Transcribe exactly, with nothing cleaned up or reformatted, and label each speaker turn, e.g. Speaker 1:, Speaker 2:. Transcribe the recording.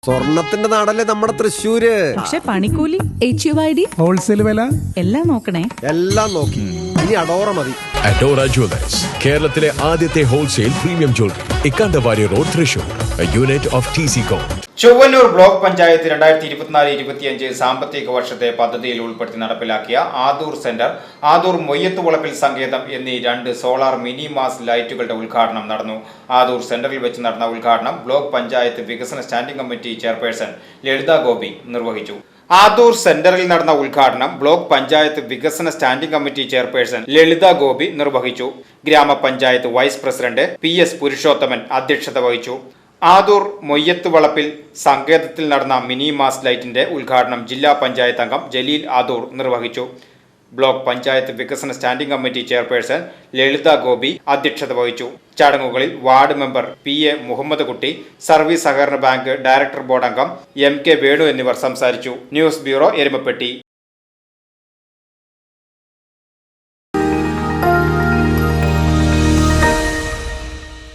Speaker 1: സ്വർണത്തിന്റെ നാടല്ലേ നമ്മുടെ തൃശ്ശൂര്.
Speaker 2: പക്ഷെ പണിക്കൂലി, H U I D,
Speaker 3: wholesale വില
Speaker 2: എല്ലാം നോക്കണേ.
Speaker 1: എല്ലാം നോക്കി. ഇനി അഡോറ മതി.
Speaker 4: അഡോറ ജുവലേഴ്സ്, കേരളത്തിലെ ആദ്യത്തെ wholesale premium jewellery, Ikkandavari road, Thrissur, unit of T C com.
Speaker 5: Chowwannur block panchayat രണ്ടായിരത്തി ഇരുപത്തിനാല് ഇരുപത്തിയഞ്ച് സാമ്പത്തിക വർഷത്തെ പദ്ധതിയിൽ ഉൾപ്പെടുത്തി നടപ്പിലാക്കിയ ആദൂർ സെന്റർ, ആദൂർ മൊയ്യത്തുവളപ്പിൽ സങ്കേതം എന്നീ രണ്ട് സോളാർ മിനി മാസ് ലൈറ്റുകളുടെ ഉദ്ഘാടനം നടന്നു. ആദൂർ സെന്ററിൽ വെച്ച് നടന്ന ഉദ്ഘാടനം ബ്ലോക്ക് പഞ്ചായത്ത് വികസന standing committee chairperson Lalitha Gopi നിർവഹിച്ചു. ആദൂർ സെന്ററിൽ നടന്ന ഉദ്ഘാടനം ബ്ലോക്ക് പഞ്ചായത്ത് വികസന standing committee chairperson Lalitha Gopi നിർവഹിച്ചു. ഗ്രാമപഞ്ചായത്ത് vice president P S Purushothaman അധ്യക്ഷത വഹിച്ചു. ആദൂർ മൊയ്യത്ത് വളപ്പിൽ സങ്കേതത്തിൽ നടന്ന മിനി മാസ് ലൈറ്റിന്റെ ഉദ്ഘാടനം ജില്ലാ പഞ്ചായത്ത് അംഗം ജലീൽ ആദൂർ നിർവഹിച്ചു. ബ്ലോക്ക് പഞ്ചായത്ത് വികസന standing committee chairperson Lalitha Gopi അധ്യക്ഷത വഹിച്ചു. ചടങ്ങുകളിൽ ward member P A Muhammad Kutty, service സഹകരണ ബാങ്ക് ഡയറക്ടർ ബോർഡ് അംഗം എം കെ വേണു എന്നിവർ സംസാരിച്ചു. News bureau, Erumapetty.